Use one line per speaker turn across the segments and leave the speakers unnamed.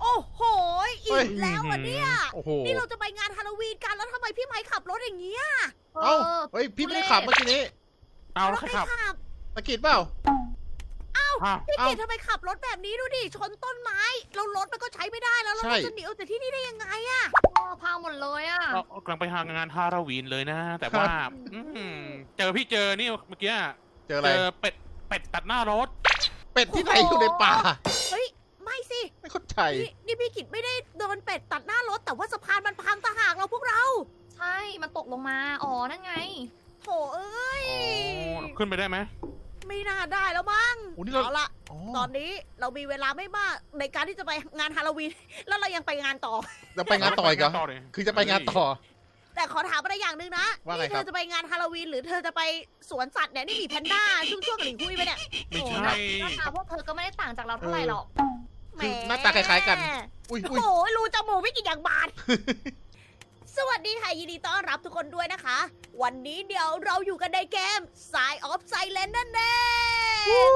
โอ้โหอี
เฮ้ย
กแล้วอ่ะเนี่ย
โอ้โห
นี่เราจะไปงานฮาโลวีนกันแล้วทำไมพี่ไม้ขับรถอย่างเงี้ย
เอ้าเฮ้ยพี่ไม่ได้ขับเมื่อกี้นี้
เอาแล้ว
ใค
ใค
ร
รขับ
ขับ
ตะกิดเปล่า
อ้าว
พี่
เอ้า
กิตทำไมขับรถแบบนี้ดูดิชนต้นไม้แล้วรถมันก็ใช้ไม่ได้แล้วเรา
ใช่
จะหนีออกจากที่นี่ได้ยังไงอะ
พังหมดเลยอ่ะ
เรากำลังไปหางานฮาโลวีนเลยนะ แต่ว่าพี่เจอนี่เมื่อกี้
เจออะไร
เจอเป็ดตัดหน้ารถ
เป็ดที่ไหนอยู่ในป่า
เฮ้ยไม่สิ
ไม่เข้าใจ
นี่พี่กิตไม่ได้โดนเป็ดตัดหน้ารถแต่ว่าสะพานมันพังต่างหากเราพวกเรา
ใช่ มันตกลงมา อ๋อ นั่นไง
โถเอ้ย
ขึ้นไปได้ไหม
ไม่น่าได้แล้วมั้ง
โอ้นี่เรา
เอาละ
อ๋อ
ตอนนี้เรามีเวลาไม่มากในการที่จะไปงานฮาโลวีน แล้วเรายังไปงานต่อ
จะไปงานต่ออีกเหรอ
ต่อเลย
คือจะไปงานต่อ
แต่ขอถามอะไรอย่างหนึ่งนะ
ว่าไง
นี่
ค
เธ
รับ
อจะไปงานฮาโลวีนหรือเธอจะไปสวนสัตว์เนี่ยนี่มีแพนด้าช่วงๆกับหลิงคุยไปเนี่ย
ไม่
โอ้
ใช่
หน้าตาพวกเธอก็ไม่ได้ต่างจากเราเท่าไหร่หรอก
คือหน้าตาคล้ายๆกัน อุ้ย
โอ้
อุ้ย
โหรูจมูกไม่กี่อย่างบาด สวัสดีค่ะยินดีต้อนรับทุกคนด้วยนะคะ วันนี้เดี๋ยวเราอยู่กันในเกม Sign of Silence นั่นเอง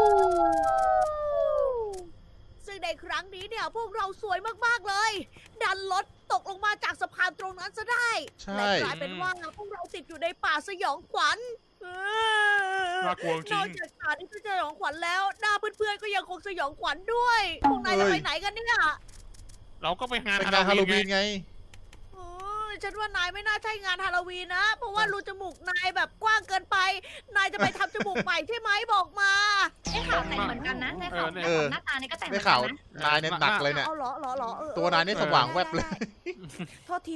ซึ่งในครั้งนี้เนี่ยพวกเราสวยมากๆเลย ดันรถตกลงมาจากสะพานตรงนั้นซะได้
ใช่
และกลายเป็นว่าพวกเราติดอยู่ในป่าสยองขวัญ
น่ากลัวจ
น
ริ
อก
ง
จากป่าที่จะสยองขวัญแล้วหน้าเพื่อนๆก็ยังคงสยองขวัญด้วย พวกนายจะไปไหนกันเนี่ย
เราก็ไปงาน
เป็นงานฮาโลวีนไง
เออฉันว่านายไม่น่าใช่งานฮาโลวีนนะ เพราะว่ารูจมูกนายแบบกว้างเกินไป นายจะไปทำจมูกใหม่ใช่ไหมบอกมา
ได้ข่าวแต่งเหมือนกันนะได้ข่าว
เออ
หน้าตานี่ก็แต่งเหมื
ได้
อนกั
ข่าน ว
นะ
นายเนี่ยหนักเลยเนี่ย
เอาเหรอเออ
ตัวนายนี่สว่างแวบเลย
ได้โทษที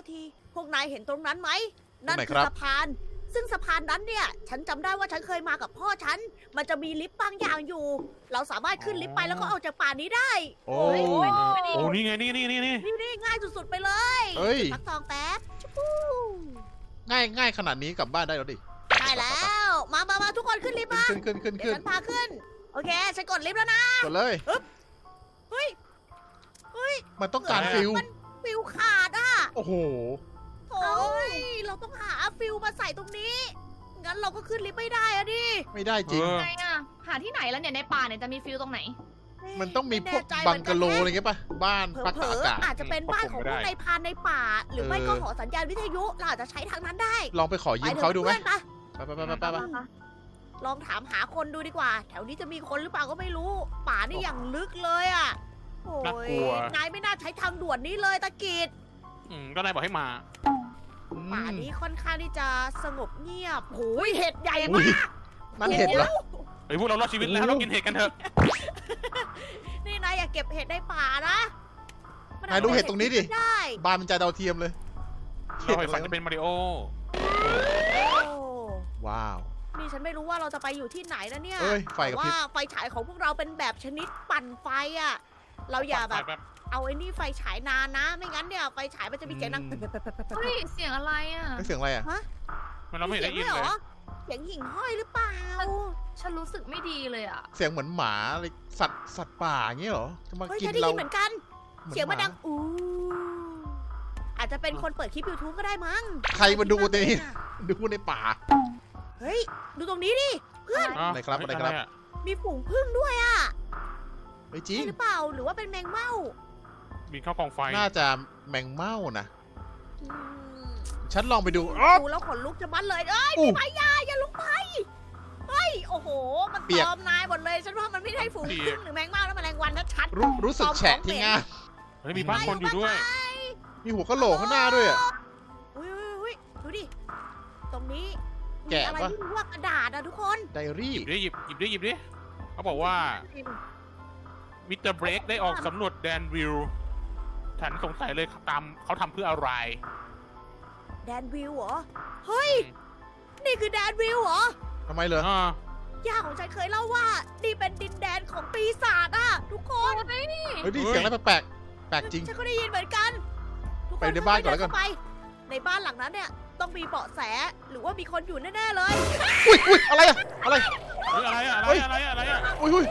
พวกนายเห็นตรงนั้นไหม นั่น
ตรงไหน
คื
ครั
อบ สะพาน ซึ่งสะพานนั้นเนี่ย ฉันจำได้ว่าฉันเคยมากับพ่อฉัน มันจะมีลิฟต์บางอย่างอยู่ เราสามารถขึ้นลิฟต์ไปแล้วก็ออกจากป่านี้ได้
โอ้
โอ้ย
โอ้นี่ไงนี่
นี่ง่ายสุดๆไปเลย
เฮ้ย
ฟักทองแป๊บชู้
ง่ายขนาดนี้กลับบ้านได้แล้วดิ
ได้แล้ว มาทุกคนขึ้นลิฟต์มา
ขึ้น
เดี๋ยวฉันพาขึ้น โอเค ฉันกดลิฟต์แล้วนะ
กดเลย
เฮ้ย
มันต้องการฟิล
มันฟิวขาดอ่ะ
โอ้โห
โอ้ย เราต้องหาฟิวมาใส่ตรงนี้ งั้นเราก็ขึ้นลิฟต์ไม่ได้อะดิ
ไม่ได้จริง
ไงอ่ะ หาที่ไหนแล้วเนี่ยในป่าเนี่ยจะมีฟิลตรงไหน
มันต้องมีพวก
ไแน่ใจ
บังกะโล
เห
อะไร
มือนน
เงี้ยป่ะ บ้าน
แฮะ
พัก
เผล
ตาก
อ
อากาศ
ๆอาจจะเป็นบ้านของพวกนายพรานในป่า หรือไม่ก็หอสัญญาณวิทยุ เราอาจจะใช้ทางนั้นได้
ลองไปขอยืมเขาดูไหม
ปถอะเพื่อน
ไป
ลองถามหาคนดูดีกว่า แถวนี้จะมีคนหรือเปล่าก็ไม่รู้ ป่านี่อย่างลึกเลยอ่ะ โอ้ยนายไม่น่าใช้ทางด่วนนี้เลยตะกิด
ก็นายบอกให้มา
ป่านี้ค่อนข้างที่จะสงบเงียบโอ้ยเห็ดใหญ่
อุ้
มาย ก
นั่นเห็นเหรอ
เฮ้ยพวกเรารอดชีวิตแล้วเรากินเห็ดกันเถอะ
นี่นายอย่าเก็บเห็ดในป่านะมั
นายดูเห็ดตรงนี้ดิ
ได้
บ้านมันจะดาวเทียมเลย
เราไปฝันจะเป็นมาริโอ
โอ้
ว้าว
นี่ฉันไม่รู้ว่าเราจะไปอยู่ที่ไหนนะเนี่ย
เอ้ย ไฟกับพริบ
ว่าไฟฉายของพวกเราเป็นแบบชนิดปั่นไฟอ่ะ เราอย่าแบบเอาไอ้นี่ไฟฉายนานนะ ไม่งั้นเนี่ยไฟฉายมันจะมีเสียงดัง
เฮ้ย เสียงอะไรอ่ะ
ไม่เสียงอะไรอ่ะ
มันเราไม่เห็นได้ยิน
สีง
เล
ด้วย
ย
หรอเสียงหิ่งห้อยหรือเปล่า
ฉันรู้สึกไม่ดีเลยอ่ะ
เสียงเหมือนหมาอะไรสัตว์ป่าอย่างเงี้ยเหรอ จะมา
เฮ้ย
กิน
ฉันได้
เรา
ยินเหมือนกัน
หอ
เสียงมัน
ห
ดังอู้อาจจะเป็นคนเปิดคลิป YouTube ก็ได้มั้ง
ใครมาดูในนี้ ดูในป่า
เฮ้ย ดูตรงนี้ดิ เพื่อน
อะไรครับอะไรครับ
มีฝูงผึ้งด้วยอ่ะ
ไม่จริ
ใช่
ง
หรือเปล่า หรือว่าเป็นแมงเม่า
บินเข้ากองไฟ
น่าจะแมงเม่านะ
อืม
ฉันลองไปดูอ๊อบ
ดูแล้วขนลุกจะมัดเลย เอ้ย
อู้
พี่พายาอย่าลงไป เฮ้ย โอ้โห มัน
เปียก
ตอมนายหมดเลย ฉันว่ามันไม่ใช่ฝูงผึ้งหรือแมงเม่าแล้วแมลงวันชัด
รู้สึกแฉะที่ง่าม
เฮ้ยมีบ้านคนอยู่ด้วย
มีหัวกะโหลกข้างหน้าด้วยอ่ะ
ๆอุ้ยดูดิ ตรงนี้มี
แกะ
อะไร
ปะ
ที่รู้ว่ากระดาษอะทุกคน
ไดอารี่
หยิบดิเขาบอกว่ามิสเตอร์เบรกได้ออกสำรวจแดนวิลฉันสงสัยเลยเขาทำเพื่ออะไร
แดนวิวเหรอ เฮ้ย นี่คือแดนวิวเหรอ
ทำไมเหรอ
ย่าของฉันเคยเล่าว่า นี่เป็นดินแดนของปีศาจอะทุกคน
เฮ้ยนี่เสียงอะไรแปลกแปลกจริง
ฉันก็ได้ยินเหมือนกันทุกค
ไปในบ้านก่อนแล้วกัน
ค่ยๆเดิเข้าไปในบ้านหลังนั้นเนี่ยต้องมีเบาะแสหรือว่ามีคนอยู่แน่ๆเลย
อุ้ยอะไรอะอะไร
เฮ้ยอะไรอะ
อุ้ย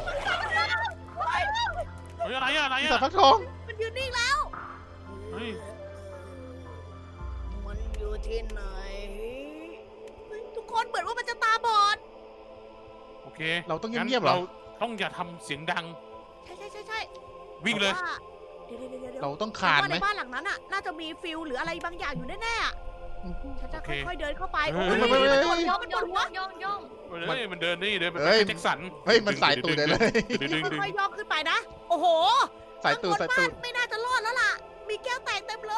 เฮ้ยอะไรอะ
สัตว์ฟักทอง
มันยืนนิ่งแล้ว
เฮ้ย
มันอยู่ที่ไหนเฮ้ยทุกคนเหมือนว่ามันจะตาบอด
โอเค
เราต้องเงียบๆเหรอ
เราต้องอย่าทำเสียงดัง
ใช่
วิ่งเลย
พราะว่าเดี๋ยว
เราต้องขาด
ฉันว่า
ไหม
ในบ้านหลังนั้นอ่ะน่าจะมีฟิลหรืออะไรบางอย่างอยู่แน่ๆอะฉันจะ
โอเค
ค่อยๆเดินเข้าไป
เฮ้
โอ้
ย
ย
ไม่
มันโดนหัว
ย่
มันโดนหัว
อง
เฮ้ยมันเดินนี่เดินเป็น
เฮ้ย
แจ็คสัน
เฮ้ยมันสายตูดเลย
ดึง
ค่อยๆย่องขึ้นไปนะ โอ้โห
สายตูด
ข้
สาง ย
บน
ตู
บ้า
ด
นไม่น่าจะรอดแล้วล่ะ มีแก้วแตกเต็มเลย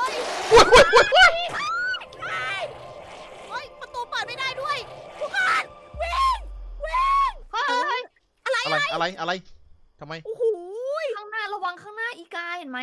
เฮ้ยประตูเปิดไม่ได้ด้วยทุกคนวิ่งวิ่ง
เฮ้ย
อะไรทำไม
โอ้โห
ข้างหน้าระวังข้างหน้าอีกาเห็นไหม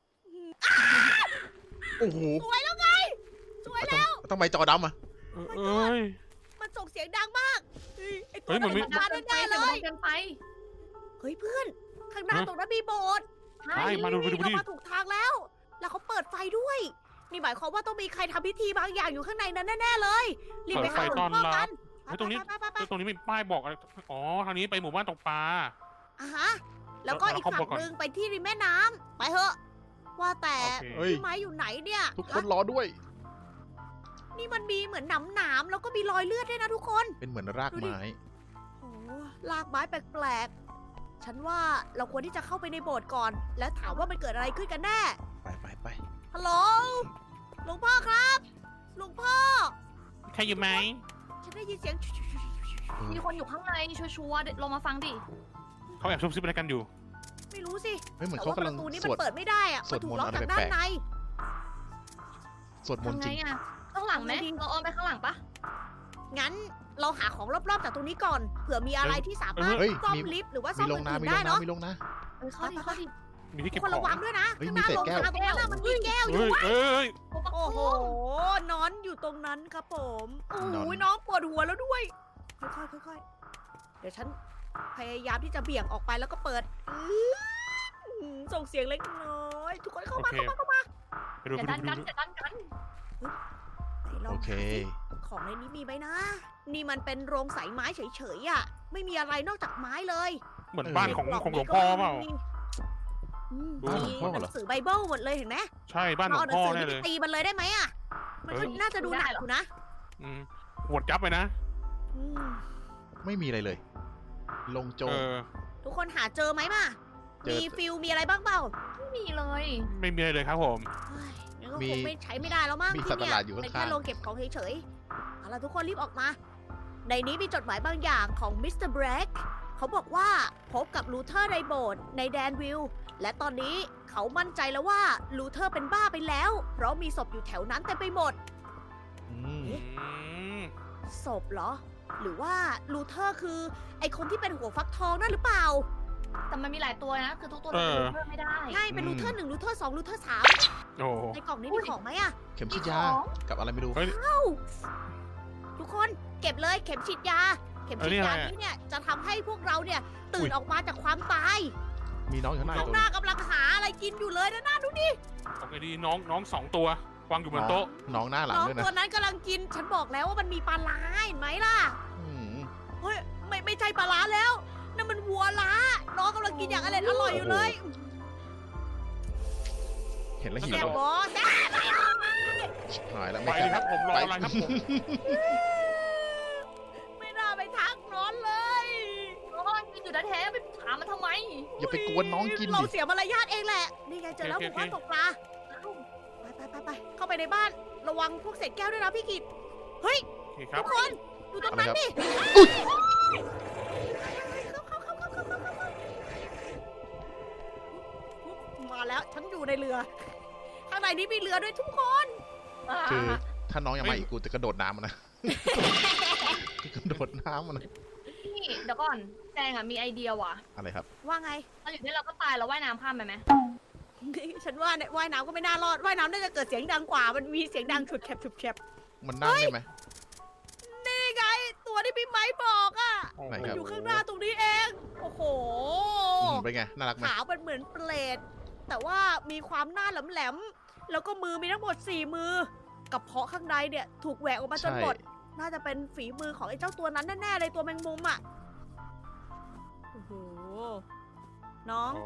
โอ้โห
สวยแล้วไงสวยแล้ว
ทำไมจอดำอ่ะ
เอ้ย
มันส่งเสียงดังมากเฮ้ยไอตั
เฮ้
วย
มันไม่
นั้นมาแน่ๆเลย
เกินไป
เฮ้ยเพื่อน ข้างหน้าตรงนั้นมีโบสถ์
ใช่มาดู
เรา
ดิ
มาถูกทางแล้ว แล้วเขาเปิดไฟด้วย นี่หมายความว่าต้องมีใครทำพิธีบางอย่างอยู่ข้างในนั้นแน่ๆเลย รีบไปหาหลวงพ่อกัน
เฮ้ยตรงนี้
ไป
ตรงนี้มีป้ายบอกอะไรอ๋อทางนี้ไปหมู่บ้านตกปลา
อ่ะฮะ แล้วก็อีกฝั่งหนึ่งไปที่ริมแม่น้ำไปเถอะ ว่าแต่
โอเค
เฮ้ย
พี่ไม้อยู่ไหนเนี่ย
ทุกคนรอด้วย
นี่มันมีเหมือนหนามๆแล้วก็มีรอยเลือดด้วยนะทุกคน
เป็นเหมือนรากไม้
โอ้ลากไม้แปลกๆ ฉันว่าเราควรที่จะเข้าไปในโบสถ์ก่อน แล้วถามว่ามันเกิดอะไรขึ้นกันแน่
ไป
ฮัลโหล หลวงพ่อครับ หลวงพ่อ
ใครอยู่ไหม
ฉันได้ยินเสียง
มีคนอยู่ข้างในชัวร์ๆลงมาฟังดิ
เขาแอบซุบซิบอะไรกันอยู่
ไม่รู้สิ
เฮ้ยเหมือน
แต่
เขา
ว่าป
กำลัง
ระตูนี้
ส
มัน
วด
เปิดไม่ได้อะ
ส
มั
วด
นถูก
มนต์
ล็อก
อะไร
จากด้าน
แปลก
ใน
สวดมนต์
ทำ
จ
ไง
ริง
อ่ะข้างหลังไหม
ทำไงดี
เราอ้อมไปข้างหลังปะ
งั้นเราหาของรอบๆจากตรงนี้ก่อน เผื่อมีอะไรที่สามารถ
เฮ้ย
ซ่อม
มี
ลิฟต์หรือว่าซ่
มี
อม
ลง
อื่น
น้ำมี
ๆ
ล
ได้
ง
เนาะ
น้ำมีลงน้
เข้าดิเข้าดิ
มีที่
ทุ
เก็
ก
บ
คน
ขอ
ระ
ง
วังด้วยนะ
เฮ้ย
ข้างหน้า
มี
ล
เศษ
ง
แก้ว
ทางตรงนั้นน่ะมันมีแก้วอยู่
เอ้ย
โอ้โห นอนอยู่ตรงนั้นครับผม โอ้
นอน
โหน้องปวดหัวแล้วด้วย ค่อยๆเดี๋ยวฉันพยายามที่จะเบี่ยงออกไปแล้วก็เปิดส่งเสียงเล็กน้อย ทุกคนเข้ามา
โอเค
เข้ามา
ไปดู
อย่า
ไป
ดัน
ดู
กันอย่าดันกัน
ไหนล
ำ
อง
โอเค
ของในนี้มีไหมนะ นี่มันเป็นโรงใสไม้เฉยๆอ่ะ ไม่มีอะไรนอกจากไม้เลย
เหมือนบ้านของ
ในก
ของหลวง
นี้
พ่อ
ก็
เปล่า
มี
ดู
มี
หลวงพ่อ
ห
เหรอ
นังสือไบเบิลหมดเลยเห็นไหม
ใช่บ้านหล
เรา
ว
เอา
ง
หนั
พ่อง
สือ
แน่
นี่
เลย
ไปตีมันเลยได้ไหมอ่ะ มันก็น่าจะดูหนักอยู่นะ
อืมหวดจับไปนะ
อืม
ไม่มีอะไรเลย ลงโจ
เอ
ม
อ
ทุกคนหาเจอไหมมา
เจอ
มีฟิลมีอะไรบ้างเปล่า
ไม่มีเลย
ไม่มีอะไรเลยครับผม
เฮ้ยงั้นก็
มี
คงไม่ใช้ไม่ได้แล้วมั้ง
มี
ที่
สัตว์ประ
เนี่
หลาดอยู่
เป็น
ข้างๆ
แค่โรงเก็บของเฉยๆเอาล่ะทุกคนรีบออกมา ในนี้มีจดหมายบางอย่างของมิสเตอร์แบล็กเขาบอกว่าพบกับลูเทอร์ในโบสถ์ในแดนวิลล์และตอนนี้เขามั่นใจแล้วว่าลูเทอร์เป็นบ้าไปแล้ว เพราะมีศพอยู่แถวนั้นเต็มไปหมด
อืม
อืม
ศพเหรอ หรือว่าลูเทอร์คือไอคนที่เป็นหัวฟักทองนั่นหรือเปล่า
แต่มันมีหลายตัวนะ คือทุกตัวจะเพิ่มไม่ได้
ใช่ เป็นลูเทอร์1ลูเทอร์2ลูเทอร์3
โอ้
ในกล่องนี้มีของไหมอะ
เข็มฉีดยา กับอะไรไม่รู้
เฮ้ย
ทุกคนเก็บเลยเข็มฉีดยา เข็มฉีดยา
เออนี่อะไรอะ
นี้เนี่ยจะทำให้พวกเราเนี่ยตื่นออกมาจากความตาย
มีน้องอยู่ข้างหน้า
ข้าง
ตัว
หน้ากำลังหาอะไรกินอยู่เลยนะน่าดูดิ
โอเคดีน้องสองตัววางอยู่บนโต๊ะ
น้องหน้าหลัง
น้อง
ด้วยนะ
ตัวนั้นกำลังกิน ฉันบอกแล้วว่ามันมีปลาร้าเห็นไหมล่ะ
อืม
เฮ้ยไม่ใช่ปลาร้าแล้วนั่นมันวัวล้า น้องกำลังกินอย่างอร่อยอยู่เลย
เห็นแล้วหิว
แซ่บ
แล้ว
บอแซ่บ
ชิบหายแล้ว
ไป
ไม่
เลยครับผมรอ
ไป
อะไรครับผม
ไม่น่าไปทักน้อนเลย
โอ้ยกินอยู่แท้ๆไปถามมันทำไม
อย่าไปกวนน้องกิน
เรา
ดิ
เสียมารยาทเองแหละ นี่ไงเจอแล้วผมว่าตกปลา ไป เข้าไปในบ้าน ระวังพวกเศษแก้วด้วยนะพี่กิตเฮ้ย
โอเคครั
ทุ
บ
กคนดูตรงนั้น
อะไรครับ
ดิ มาแล้ว ฉันอยู่ในเรือ ข้างในนี้มีเรือด้วยทุกคน
คือถ้าน้องยังมาอีกกูจะกระโดดน้ำมันนะ จะกระโดดน้ำมันนะ
นี่เดี๋ยวก่อนแจงอ่ะมีไอเดียว่ะ
อะไรครับ
ว่าไง
เราอยู่ที่เราก็ตายเราว่ายน้ำข้ามไปไหม
ฉันว่าเนี่ยว่ายน้ำก็ไม่น่ารอด ว่ายน้ำน่าจะเกิดเสียงดังกว่า มันมีเสียงดังฉุดแคบฉุดแคบ
มันนั่งได้ไหม
นี่ไง ตัวที่พี่ไม้บอกอ่ะ
ไหน
มัน
ครับ
อยู่ข้างหน้าตรงนี้เอง โอ้โห
เป็นไง น่ารักไหม
ขาวเป็นเหมือนเปลดแต่ว่ามีความหน้าแหลมๆ แล้วก็มือมีทั้งหมด4 มือ กับเพาะข้างในเนี่ยถูกแหวกออกมาจน
ใช่
หมด น่าจะเป็นฝีมือของไอ้เจ้าตัวนั้นแน่ๆเลยตัวแมงมุมอ่ะ โอ้โห น้อง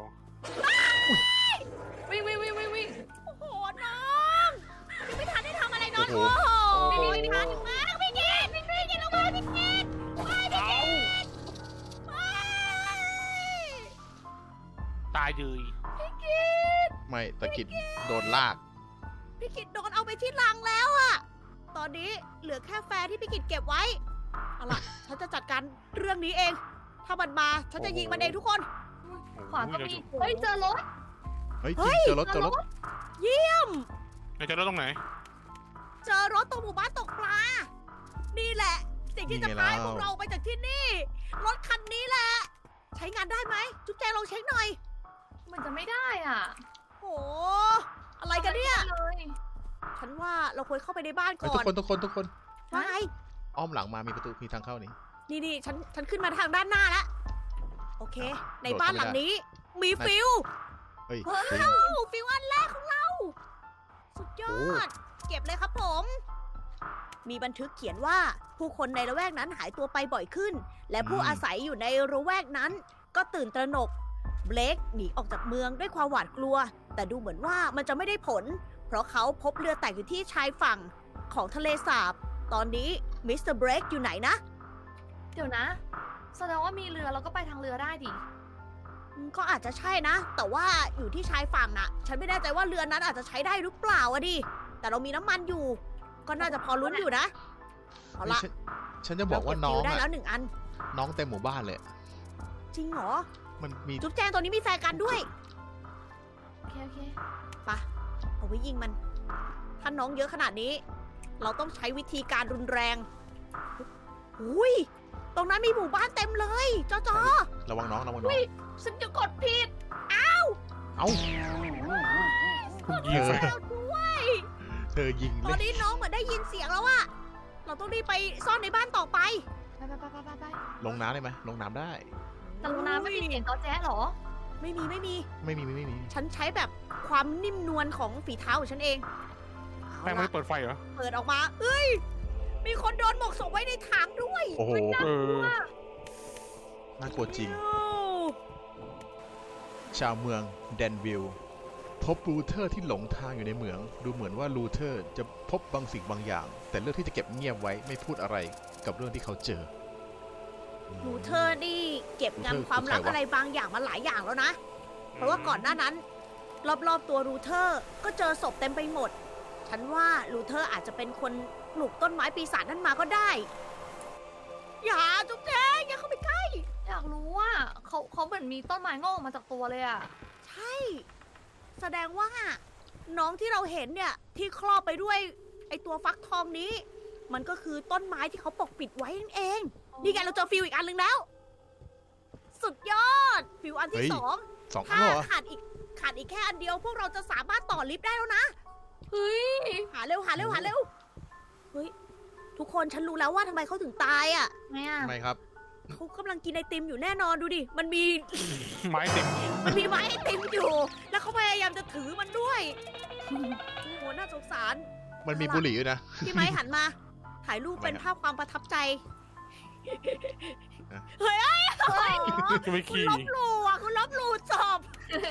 วิ่ง
โอ้โห น้องยังไม่ทันได้ทำอะไรน้อง
โอ้
โอ้
โห
โหนี่ทันมากพี่กินพี่กินลงมาพี่กินไปพี่กินไป
ตายเลย
พี่กิน
ไม่ตะกิดโดนลาก
พี่กิตโดนเอาไปที่ลังแล้วอะตอนนี้เหลือแค่แฟร์ที่พี่กิตเก็บไว้ เอาล่ะ ฉันจะจัดการเรื่องนี้เอง ถ้ามันมา ฉันจะยิงมันเองทุกคน
ขวาก็มีเฮ้ยเจอรถ
เฮ้ยจริงเจอรถ
เจอรถ
ไหนจะรถตรงไหน
เจอรถตรงหมู่บ้านตกปลา นี่แหละ สิ่งที่จะพาให้พวกเราไปจากที่นี่ รถคันนี้แหละ ใช้งานได้ไหม จุ๊บแจงลองเช็คหน่อย
มันจะไม่ได้อ่ะ
โห อะไรกันเนี่ย
เลย
ฉันว่าเราควรเข้าไปในบ้าน
เฮ้ย
ก่
ทุ
อก น
คนทุกคนทุกคน
ว่าไง
อ้อมหลังมามีประตูมีทางเข้านี่
นี่ฉันขึ้นมาทางด้านหน้าแล้ว โอเค ใน
โดด
บ้าน
เข้า
ห
ไม่ได้
ลังนี้ มีฟิว
เฮ้ย
ว้า
จริง
วฟิวอันแรกของเรา สุดยอด เก็บเลยครับผม มีบันทึกเขียนว่าผู้คนในละแวกนั้นหายตัวไปบ่อยขึ้น และผู้อาศัยอยู่ในละแวกนั้น ก็ตื่นตระหนก เบลกหนีออกจากเมืองด้วยความหวาดกลัว แต่ดูเหมือนว่ามันจะไม่ได้ผล เพราะเขาพบเรือแตกอยู่ที่ชายฝั่งของทะเลสาบ ตอนนี้มิสเตอร์เบรกอยู่ไหนนะ
เดี๋ยวนะ แสดงว่ามีเรือเราก็ไปทางเรือได้ดิ
ก็อาจจะใช่นะ แต่ว่าอยู่ที่ชายฝั่งน่ะ ฉันไม่แน่ใจว่าเรือนั้นอาจจะใช้ได้หรือเปล่าอะดิ แต่เรามีน้ำมันอยู่ ก็น่าจะพอลุ้นอยู่นะ เอาละ
ฉันจะบอกว่าน้อง
เรเก็ฟิวได้แล้
อะ
ว1 อัน
น้องเต็มหมู่บ้านเลย
จริงเหรอ
มันมี
จุ๊บแจงตัวนี้มีแฟร์กันด้วย
โอเคโอเค
ปะเอาไว้ยิงมัน ถ้าน้องเยอะขนาดนี้ เราต้องใช้วิธีการรุนแรงอุ้ย ตรงนั้นมีหมู่บ้านเต็มเลยจอ
ระวังน้องระวังน้อง
ฉันจะกดผิด
เอ้า
คุณ
ๆ
ยิง
เออ
แล้วด้วย
เธอยิง
ต
เล
อน
ย
นี้น้องเหมือนได้ยินเสียงแล้วอะเราต้องรีบไปซ่อนในบ้านต่อไป
ไป
ลงน้ำได้ไหมลงน้ำได้
แต่ลงน้ำไม่มีเสียงตอแจ๊ะเหรอ
ไม่มี
ไม่มีไม่มี
ฉันใช้แบบความนิ่มนวลของฝีเท้าของฉันเอง
แป้ง
เอา
ไม่
ล่ะ
เปิดไฟเหรอ
เปิดออกมา เอ้ย มีคนโดนหมกศพไว้ในถังด้วย
โอ้โห
เออ
น่ากลัวจริง
เอ้า
ชาวเมืองแดนวิลล์พบลูเทอร์ที่หลงทางอยู่ในเหมือง ดูเหมือนว่าลูเทอร์จะพบบางสิ่งบางอย่าง แต่เลือกที่จะเก็บเงียบไว้ไม่พูดอะไรกับเรื่องที่เขาเจอ
ลูเทอร์นี่เก็บ
ลูเทอร์
งำความลับ
คือใครวะ
อะไรบางอย่างมาหลายอย่างแล้วนะ เพราะว่าก่อนหน้านั้น รอบๆตัวลูเทอร์ก็เจอศพเต็มไปหมด ฉันว่าลูเทอร์อาจจะเป็นคนปลูกต้นไม้ปีศาจนั้นมาก็ได้ อย่าจุ๊บแจงอย่าเข้าไปใกล้
อยากรู้ว่าเขาเหมือนมีต้นไม้งอกออกมาจากตัวเลยอ่ะ
ใช่ แสดงว่า น้องที่เราเห็นเนี่ยที่ครอบไปด้วยไอตัวฟักทองนี้ มันก็คือต้นไม้ที่เขาปกปิดไว้นั่นเอง นี่ไงเราเจอฟิวอีกอันหนึ่งแล้ว สุดยอด ฟิวอัน
เฮ้
ที่
ย
สอง
2 อัน
ถ้า
เหรอ
ขาดอีกแค่อันเดียว พวกเราจะสามารถต่อลิฟต์ได้แล้วนะ
เฮ้ย
หาเร็วเฮ้ยทุกคนฉันรู้แล้วว่าทำไมเขาถึงตายอ่ะ
ไงอ่ะ
ทำไมครับ
เขากำลังกินไอติมอยู่แน่นอนดูดิมันมี
ไม้ติด
ไม้ไอติมอยู่ แล้วเขาพยายามจะถือมันด้วยโอ้โหน่าสงสาร
มันมีบุหรี่ด้วยนะ
พี่ไม้หันมาถ่ายรูปเป็นภาพความประทับใจ เฮ้ย
จะไป
คุณ
ขี่
ลบหลู่อ่ะคุณลบหลู่จบ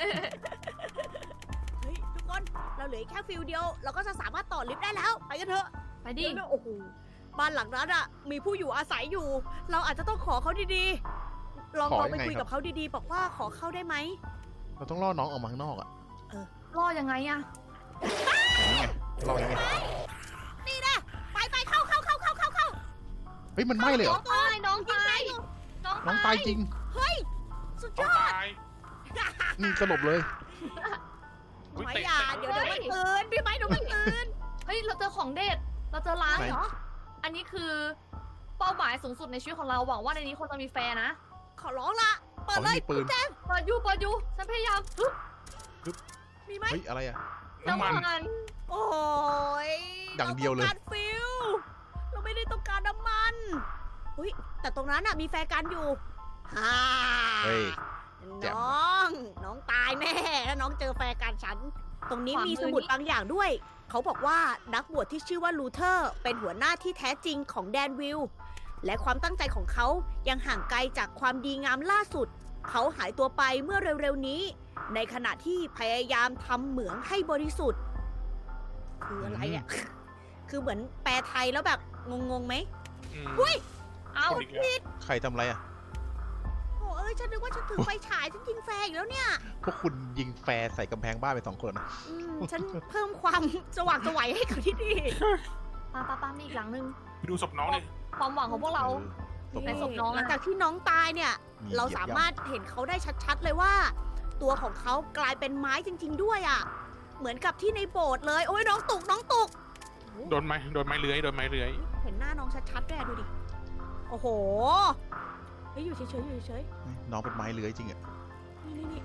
เฮ้ยทุกคนเราเหลือแค่ฟิลเดียว เราก็จะสามารถต่อลิฟต์ได้แล้ว ไปกันเถอะ
ไปดิ
เดี๋ยวโอ้โหบ้านหลังนั้นอ่ะ มีผู้อยู่อาศัยอยู่ เราอาจจะต้องขอเขาดีๆ ลอง
ขอ
ไป
ยังไง
คุย
ครั
กับบ เขาดีๆ บอกว่าขอเข้าได้ไหม
เราต้องล่อน้องออกมาข้างนอกอ่ะ
รอยังไงอ่ะ
อย่างนี้ไงล่อยังไง
นี่นะไปเข้า
เฮ้ยมันไหม้เลยเหรอ
ตายน้องตาย
น้องตายจริง
สุดย
ต้อง
อด
ตาย
นี่สลบเลย
อุ๊ย
ไม่
เตะ
อย่า
เตะ
เดี๋ยวมันตื่นพี่ไม้เดี๋ยวมันตื่น
เฮ้ยเราเจอของเด็ด เราเจอร้าน
ไหน
เหรอ อันนี้คือเป้าหมายสูงสุดในชีวิตของเราหวังว่าในนี้คนจะมีแฟนนะ
ขอร้องละเปิด
เขา
เลย
มีปืน
เปิดอยู่ฉันพยายามฮึบ
มีไหม
เฮ้ยอะไรอ่ะ
น้ำมัน
โอ้ย
อย่างเดียวเลย
ราต้องการฟิลเราไม่ได้ต้องการน้ำมันอุ้ยแต่ตรงนั้นน่ะมีแฟร์กันอยู่ฮ่า
เฮ้ย แจ่ม
น้องตายแน่แล้วน้องเจอแฟร์กันฉัน ตรงนี้มีสมุดบางอย่างด้วย เขาบอกว่านักบวชที่ชื่อว่าลูเทอร์ เป็นหัวหน้าที่แท้จริงของแดนวิลล์และความตั้งใจของเขายังห่างไกลจากความดีงามล่าสุด เขาหายตัวไปเมื่อเร็วๆนี้ ในขณะที่พยายามทำเหมืองให้บริสุทธิ์ คืออะไรอ่ะ คือเหมือนแปลไทยแล้วแบบงงๆไหม
อืม
อุ้ย
เอ้า
คนอีกแล้ว
ใครทำอะไรอ่ะ
โอ้เอ้ยฉันนึกว่าฉันถือไฟฉายฉันยิงแฟร์อีกแล้วเนี่ย
พวกคุณยิงแฟร์ใส่กำแพงบ้านไป2 คนนะ
ฉันเพิ่มความสว่างไสวัยให้กับที่นี่
ปามีอีกหลังนึง
ไปดูศพน้องเลย
ความหวังของพวกเรา ในศพน้องอะ
หลังจากที่น้องตายเนี่ย เราสามารถเห็นเขาได้ชัดๆเลยว่า ตัวของเขากลายเป็นไม้จริง ๆ ด้วยอ่ะ เหมือนกับที่ในโบสถ์เลย โอ้ยน้องตก
โดนไม้เลื้อย
เห็นหน้าน้องชัดๆด้วยอะดูดิ โอ้โห เฮ้ยอยู่เฉยๆอยู่เฉย
น้องเป็นไม้เลื้อยจริงอะ
ๆนี่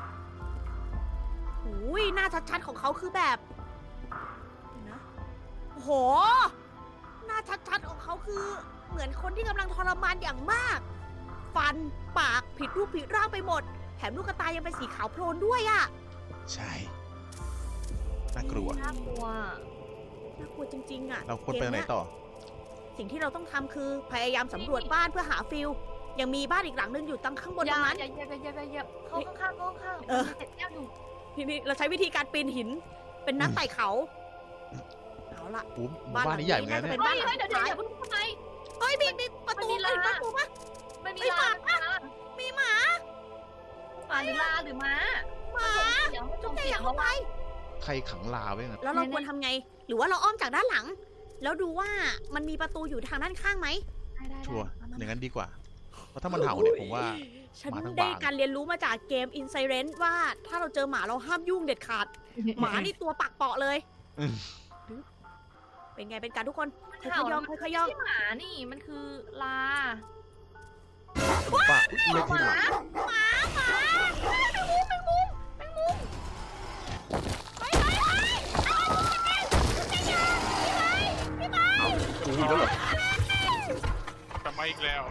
หูยหน้าชัดๆของเขาคือแบบเดี๋ยวนะโอ้โห หน้าชัดๆของเขาคือเหมือนคนที่กำลังทรมานอย่างมาก ฟันปากผิดรูปผิดร่างไปหมด แถมลูกตายังเป็นสีขาวโพลนด้วยอะ
ใช่น่ากลัว
น่ากลัว
น่ากลัวจริงๆอะ
เราควรไปไหนต่อ
สิ่งที่เราต้องทำคือพยายามสำรวจบ้านเพื่อหาฟิลยังมีบ้านอีกหลังนึงอยู่ตั้งข้างบนตรงนั้น
อย่าเข้าข้างๆ
เออ
มีเศษแก้วอยู่
ทีนี้เราใช้วิธีการปีนหิน เป็นนักไต่เขา เอาล่ะ
หมู่บ้านนี้ใหญ่เหมือนกัน
จะ
เนี่
เป็
ย
นบ้าน
เฮ้ย
หลัง
เดี๋
สุ
ยว
ดท้าย
เพิ่งทำไม
เฮ้ยมีประตู
มันมีลา
เห็นประตูปะ
มันมี
เฮ้ย
ลา
หมา มีหมา
หรือลาหรือม้า
หมา
จุ๊บ
แต่
เสี
อย ย่าง
เขา
เข้าไป
ใครขังลาไว้งั้น
แล้วเราควรทำไง หรือว่าเราอ้อมจากด้านหลัง แล้วดูว่ามันมีประตูอยู่ทางด้านข้างไหม
ได้
ชัวร์อย่างนั้นดีกว่า เพราะถ้ามันเห่าเนี่ยผมว่า
ฉัน
หมาทั้ง
ได้
บ้าน
การเรียนรู้มาจากเกม i n s i r e n t ว่าถ้าเราเจอหมาเราห้ามยุ่งเด็ดขาด หมานี่ตัวปักเปาะเลย
อืม
เป็นไงเป็นการทุกคน
มัน
ค่อยๆย่อง
มัน
ค่อยๆ
ไม่
ย่อง
ใช่หมานี่ มันคือลา
ผมว่าเลือกที่หลัง
หมาแมงมุมเฮ้ยพี่ไม้
กูอีกแล้วเหรอ
กลับมาอีกแล้ว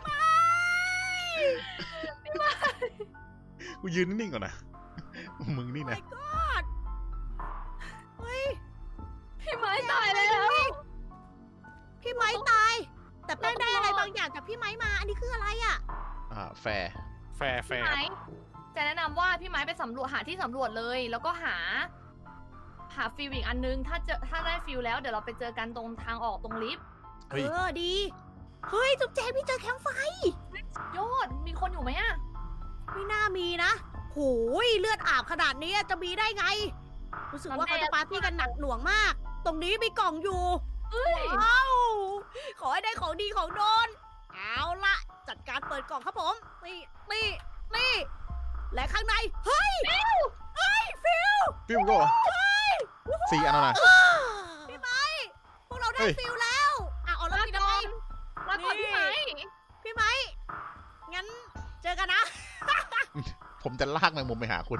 กูยืนนิ่งๆก่อนนะ มึงนี่นะ
God เฮ้ย
พี่ไม้ตายแล้ว
พี่ไม้ตาย แต่แป้งได้อะไรบางอย่างจากพี่ไม้มา อันนี้คืออะไรอ่ะ
แฟร์
แฟร์
พี่ไม้จะแนะนำว่าพี่ไม้ไปสำรวจหาที่สำรวจเลย แล้วก็หาฟิลอีกอันนึง ถ้าได้ฟิลแล้วเดี๋ยวเราไปเจอกันตรงทางออกตรงลิฟต์
เฮ้ย
ดี เฮ้ย จุ๊บแจงพี่เจอแคมป์ไฟ
ยอดมีคนอยู่ไหมอะ
ไม่น่ามีนะโหยเลือดอาบขนาดนี้จะมีได้ไง รู้สึกว่าเขาจะปาร์ตี้กันหนักหน่วงมาก ตรงนี้มีกล่องอยู่
เอ้ย
ว้าวขอให้ได้ของดีของโดน เอาละจัดการเปิดกล่องครับผม นี่ และข้างใน เฮ้ย ฟิล
ฟิวก็เหรอ4 อันแล้วนะ
พี่ไม้พวกเราได้
เฮ้ย
ฟิลแล้วเอาแล้วพี่ทำไม
แล้วก่อนพี่ไม้
พี่ไม้งั้นเจอกันนะ
ผมจะลากแมงมุมไปหาคุณ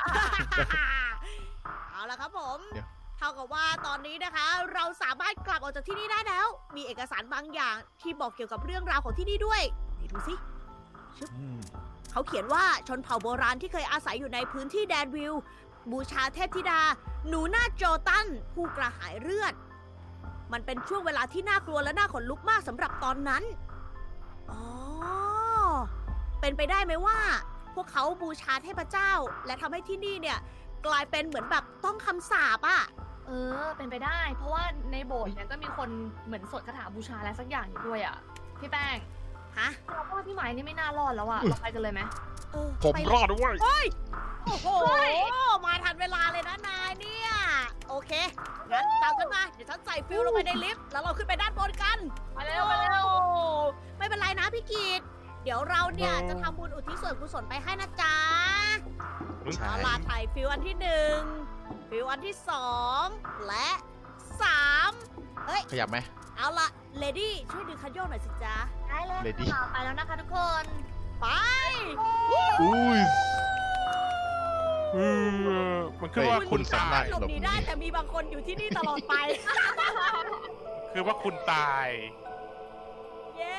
เอาละครับผม
เดี๋ยว
เท่ากับว่าตอนนี้นะคะ เราสามารถกลับออกจากที่นี่ได้แล้ว มีเอกสารบางอย่างที่บอกเกี่ยวกับเรื่องราวของที่นี่ด้วยไหนดูสิ
อืม
เขาเขียนว่าชนเผ่าโบราณที่เคยอาศัยอยู่ในพื้นที่แดนวิลบูชาเทพธิดา หนูนาโจตัน ผู้กระหายเลือด มันเป็นช่วงเวลาที่น่ากลัวและน่าขนลุกมากสำหรับตอนนั้น อ๋อ เป็นไปได้ไหมว่า พวกเขาบูชาเทพเจ้า และทำให้ที่นี่เนี่ย กลายเป็นเหมือนแบบต้องคำสาปอะ
เป็นไปได้ เพราะว่าในโบสถ์เนี่ยก็มีคนเหมือนสวดคาถาบูชาอะไรสักอย่างอยู่ด้วยอ่ะ พี่แป้ง
ฮะ
เราว่าพี่ไม้นี่ไม่น่ารอดแล้วอ่ะ เราไปกันเลยไหม
ผม
ไป
รอดด้วย
เฮ้ย โอ้โห มาทันเวลาเลยนะนายเนี่ย โอเค งั้นตามฉันมา เดี๋ยวฉันใส่ฟิวลงไปในลิฟต์ แล้วเราขึ้นไปด้านบนกัน
ไปเร็วไปเร็ว
ไม่เป็นไรนะพี่กีดเดี๋ยวเราเนี่ยจะทำบุญอุทิศส่วนกุศลไปให้นะจ๊ะ
ใช่
เอาล่ะถ่ายฟิวอันที่1ฟิวอันที่2และ3
ขยับไหม
เอาล่ะเลดี้ช่วยดึงคันโยกหน่อยสิจ๊ะ
ได้เลย
Lady
ค่ะไปแล้วนะคะทุกคน
ไป
อุ้ย
มันคือว่า
เฮ้ย
คุณ
สา
ตาม
ารถ
ย
หลบหนีได้แต่มีบางคนอยู่ที่นี่ตลอดไป
คือว่าคุณตาย
เย้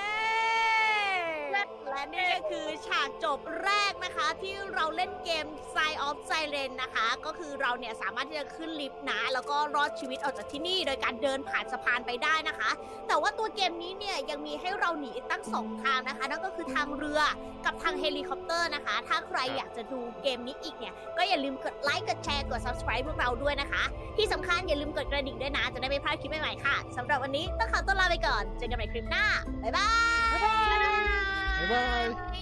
และนี่ก็คือฉากจบแรกนะคะ ที่เราเล่นเกม Sign of Siren นะคะ ก็คือเราเนี่ยสามารถที่จะขึ้นลิฟต์นะ แล้วก็รอดชีวิตออกจากที่นี่ โดยการเดินผ่านสะพานไปได้นะคะ แต่ว่าตัวเกมนี้เนี่ยยังมีให้เราหนีตั้ง2 ทางนะคะ นั่นก็คือทางเรือกับทางเฮลิคอปเตอร์นะคะ ถ้าใครอยากจะดูเกมนี้อีกเนี่ย ก็อย่าลืมกดไลค์ กดแชร์ กด subscribe พวกเราด้วยนะคะ ที่สำคัญอย่าลืมกดกระดิ่งด้วยนะ จะได้ไม่พลาดคลิปใหม่ๆค่ะสำหรับวันนี้ต้องขอตัวลาไปก่อน เจอกันใหม่คลิปหน้า บ๊ายบาย
บ๊ายบาย